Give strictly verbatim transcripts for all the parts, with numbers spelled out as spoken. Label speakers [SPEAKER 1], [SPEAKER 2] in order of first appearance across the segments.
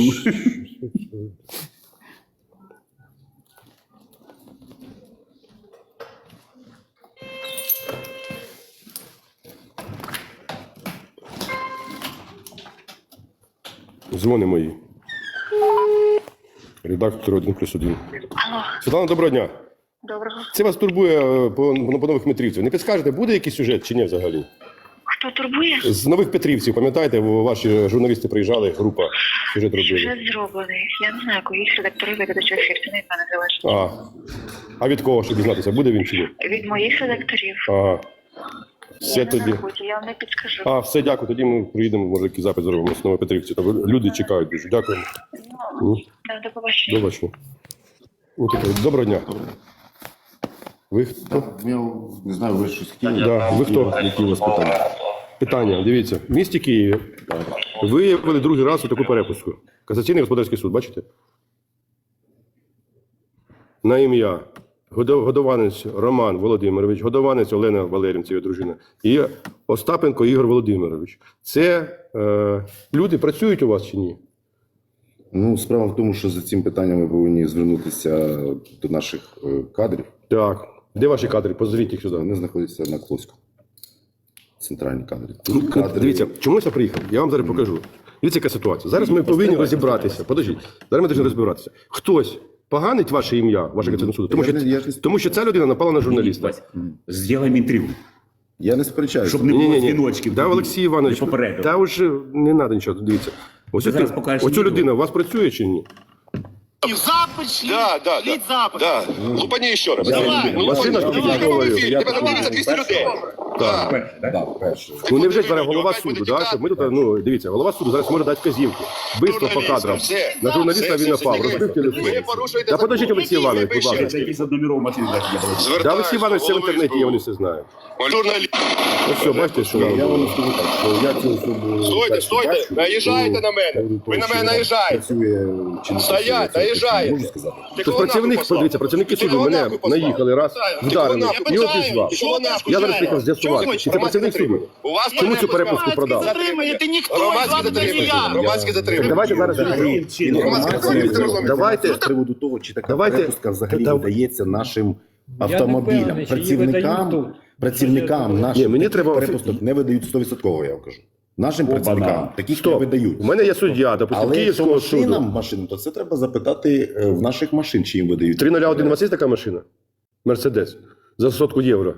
[SPEAKER 1] Дзвони мої. Редактор один плюс один.
[SPEAKER 2] Алло,
[SPEAKER 1] Світлана, доброго дня.
[SPEAKER 2] доброго.
[SPEAKER 1] Це вас турбує е, по, по нових Петрівців. Не підскажете, буде якийсь сюжет чи ні взагалі?
[SPEAKER 2] Хто турбує?
[SPEAKER 1] З нових Петрівців, пам'ятаєте, ваші журналісти приїжджали, група сюжет робили.
[SPEAKER 2] Сюжет зроблений. Я не знаю, коли редакторів викладачів ефір, це не від мене залежить.
[SPEAKER 1] А, а від кого, щоб дізнатися, буде він чи ні?
[SPEAKER 2] Від моїх редакторів.
[SPEAKER 1] Ага. Все
[SPEAKER 2] Я
[SPEAKER 1] тоді.
[SPEAKER 2] не на роботі, я вам не підскажу.
[SPEAKER 1] А, все, дякую. Тоді ми приїдемо, може, якийсь запит зробимо з Новопетрівці. Тобто люди чекають дуже. Дякуємо.
[SPEAKER 2] Ну, до побачення.
[SPEAKER 1] До побачення. Ну, таке, доброго дня. Ви хто?
[SPEAKER 3] Я не знаю, ви щось хотіли?
[SPEAKER 1] Да. Ви хто?
[SPEAKER 3] Які у вас питання?
[SPEAKER 1] Питання. Дивіться. В місті Києві виявили другий раз таку перепуску. Касаційний господарський суд, бачите? На ім'я Годо- Годованець Роман Володимирович, Годованець Олена Валерівна, це його дружина, і Остапенко Ігор Володимирович. Це е, люди працюють у вас чи ні?
[SPEAKER 3] Ну, справа в тому, що за цим питанням ми повинні звернутися до наших е, кадрів.
[SPEAKER 1] Так. Де ваші кадри? Позвіть їх сюди.
[SPEAKER 3] Вони знаходяться на Клоську. Центральні кадри.
[SPEAKER 1] Ну,
[SPEAKER 3] Тут кадри...
[SPEAKER 1] Дивіться, чомусь я приїхав. Я вам зараз покажу. Дивіться, яка ситуація. Зараз ми повинні розібратися. Подождіть. Зараз ми повинні розібратися. Хтось поганить ваше ім'я, ваше Конституційне суду, тому
[SPEAKER 3] Я
[SPEAKER 1] що,
[SPEAKER 3] не- я ж не-
[SPEAKER 1] тому що ця людина напала на журналіста.
[SPEAKER 4] Вась, Сделаем інтригу,
[SPEAKER 3] Я не сперечаюся.
[SPEAKER 4] щоб не було
[SPEAKER 1] Ні-ні-ні.
[SPEAKER 4] дзвіночків.
[SPEAKER 1] Да, Олексій Іванович,
[SPEAKER 4] не попередив.
[SPEAKER 1] та вже не треба нічого, дивіться. Ось
[SPEAKER 4] Ти
[SPEAKER 1] оцю,
[SPEAKER 4] зараз покажеш
[SPEAKER 1] оцю
[SPEAKER 4] відео.
[SPEAKER 1] людина у вас працює чи ні?
[SPEAKER 5] Запад шли,
[SPEAKER 6] Да, да,
[SPEAKER 5] шли
[SPEAKER 6] да.
[SPEAKER 5] запад.
[SPEAKER 6] Да. Лупани еще раз.
[SPEAKER 5] Давай.
[SPEAKER 6] Ну,
[SPEAKER 1] Машина
[SPEAKER 6] ну,
[SPEAKER 1] тобі
[SPEAKER 6] ну,
[SPEAKER 1] говорю.
[SPEAKER 6] ну,
[SPEAKER 1] Я
[SPEAKER 6] тебе дивиться двісті людей. Да.
[SPEAKER 4] Перше, да?
[SPEAKER 3] Да, перше.
[SPEAKER 1] Ну невже зараз голова суду, да? Щоб ми тут, ну дивіться, голова суду зараз може дати вказівки. Бистро по кадрам.
[SPEAKER 6] Все.
[SPEAKER 1] На журналіста
[SPEAKER 6] Все,
[SPEAKER 1] він
[SPEAKER 6] все,
[SPEAKER 1] напав,
[SPEAKER 6] все.
[SPEAKER 1] розбив телефон.
[SPEAKER 6] Ви порушуєте
[SPEAKER 1] Та
[SPEAKER 6] закон.
[SPEAKER 1] подождіть, Олексій Іванович, будь ласка.
[SPEAKER 4] Це якийсь од номеров машин. да, я буду.
[SPEAKER 1] Да, Олексій Іванович, це в інтернеті, я вони все знаю.
[SPEAKER 6] Журналіст.
[SPEAKER 1] Ось все, бачите, що
[SPEAKER 3] Я
[SPEAKER 1] вам.
[SPEAKER 3] вам скажу так, що я цю особу...
[SPEAKER 6] Стойте,
[SPEAKER 3] перше
[SPEAKER 6] стойте,
[SPEAKER 3] бачу,
[SPEAKER 6] наїжджайте
[SPEAKER 3] то-
[SPEAKER 6] на мене.
[SPEAKER 3] то,
[SPEAKER 6] Ви на
[SPEAKER 3] що
[SPEAKER 6] мене наїжджаєте.
[SPEAKER 3] Працює чи не
[SPEAKER 6] Стоять,
[SPEAKER 3] працює, це
[SPEAKER 6] наїжджаєте.
[SPEAKER 3] можу сказати.
[SPEAKER 6] Ти
[SPEAKER 1] Тобто
[SPEAKER 6] кого
[SPEAKER 1] працівник,
[SPEAKER 6] нахуй послав?
[SPEAKER 1] подивіться, працівники
[SPEAKER 6] Ти
[SPEAKER 1] суду
[SPEAKER 6] кого
[SPEAKER 1] мене
[SPEAKER 6] нахуй послав?
[SPEAKER 1] наїхали раз,
[SPEAKER 6] Ти
[SPEAKER 1] вдарили
[SPEAKER 6] кого
[SPEAKER 1] і
[SPEAKER 6] нахуй?
[SPEAKER 1] обізвав.
[SPEAKER 6] Ти кого нахуй?
[SPEAKER 1] Я зараз приїхав з'ясувати,
[SPEAKER 6] Чого
[SPEAKER 1] чи це
[SPEAKER 6] ви
[SPEAKER 1] працівник суду.
[SPEAKER 6] У вас
[SPEAKER 1] Чому цю
[SPEAKER 6] перепуск
[SPEAKER 1] перепуску продав?
[SPEAKER 5] Затримуєте ніхто,
[SPEAKER 6] Громадське
[SPEAKER 5] вам не
[SPEAKER 6] затримання.
[SPEAKER 5] я.
[SPEAKER 6] Громадське затримання.
[SPEAKER 1] Давайте зараз
[SPEAKER 3] Інформація
[SPEAKER 1] Давайте-
[SPEAKER 3] з приводу того, чи така
[SPEAKER 1] Давайте-
[SPEAKER 3] перепустка взагалі
[SPEAKER 1] Та-
[SPEAKER 3] видається нашим
[SPEAKER 7] не
[SPEAKER 3] автомобілям.
[SPEAKER 7] впевнений, чи її видають
[SPEAKER 3] Працівникам,
[SPEAKER 7] тут.
[SPEAKER 3] працівникам
[SPEAKER 1] Ні,
[SPEAKER 3] нашим
[SPEAKER 1] мені
[SPEAKER 3] таких
[SPEAKER 1] треба-
[SPEAKER 3] перепусток не видають сто відсотків, я вам кажу. Нашим працівникам таких не
[SPEAKER 1] Стоп.
[SPEAKER 3] видають.
[SPEAKER 1] У мене є суддя, допустим,
[SPEAKER 3] Але якщо
[SPEAKER 1] Київського
[SPEAKER 3] машинам
[SPEAKER 1] суду.
[SPEAKER 3] машинам, то це треба запитати е, в наших машин, чи їм видають.
[SPEAKER 1] три нуль один у вас є така машина? Мерседес. За сотку євро.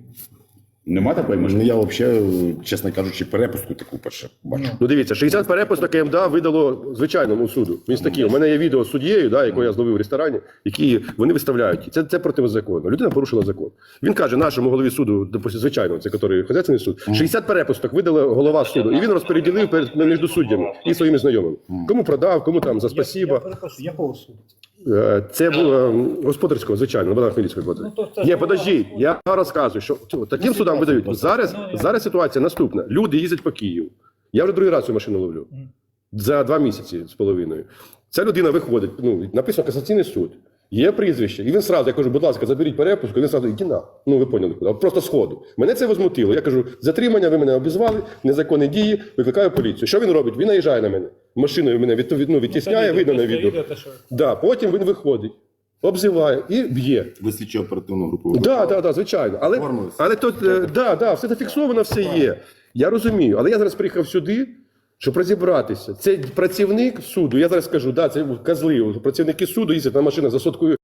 [SPEAKER 4] Нема такої
[SPEAKER 3] Ну,
[SPEAKER 4] машини?
[SPEAKER 3] я взагалі, чесно кажучи, перепустку таку перше бачу.
[SPEAKER 1] Ну дивіться, шістдесят перепусток КМДА видало звичайному суду. Він з такий. У мене є відео з суддєю, да, якого я зловив в ресторані, які вони виставляють. Це, це протизаконно. Людина порушила закон. Він каже нашому голові суду, допустим, звичайно, це який хозяйственний суд, шістдесят перепусток видала голова суду. І він розподілив перед між суддями і своїми знайомими. Кому продав, кому там за
[SPEAKER 7] Я
[SPEAKER 1] спасіба.
[SPEAKER 7] перепрошую, якого суду?
[SPEAKER 1] Е, Це було ем, господарського, звичайно, Богдан Хмельницького.
[SPEAKER 7] Ну, то це
[SPEAKER 1] Ні,
[SPEAKER 7] ж
[SPEAKER 1] подождіть, я розказую, що цього, таким судам видають. Зараз, зараз ситуація наступна. Люди їздять по Києву. Я вже другий раз цю машину ловлю. За два місяці з половиною. Ця людина виходить, ну, написано Касаційний суд. Є прізвище. І він сразу, я кажу, будь ласка, заберіть перепуску. І він сразу, іди на. Ну, ви поняли, куди. Просто сходу. Мене це возмутило. Я кажу, затримання, ви мене обізвали, незаконні дії, викликаю поліцію. Що він робить? Він наїжджає на мене. Машиною мене від, від, ну, відтісняє, видно на відео. Да, потім він виходить, обзиває і б'є.
[SPEAKER 3] Ви слідчо оперативну групу.
[SPEAKER 1] Так, да, да, да, звичайно. Але,
[SPEAKER 3] Оформилися.
[SPEAKER 1] але тут, е, да, да, все зафіксовано, все є. Я розумію. Але я зараз приїхав сюди, щоб розібратися. Це працівник суду. Я зараз скажу, да, це козли. Працівники суду їздять на машинах за сотку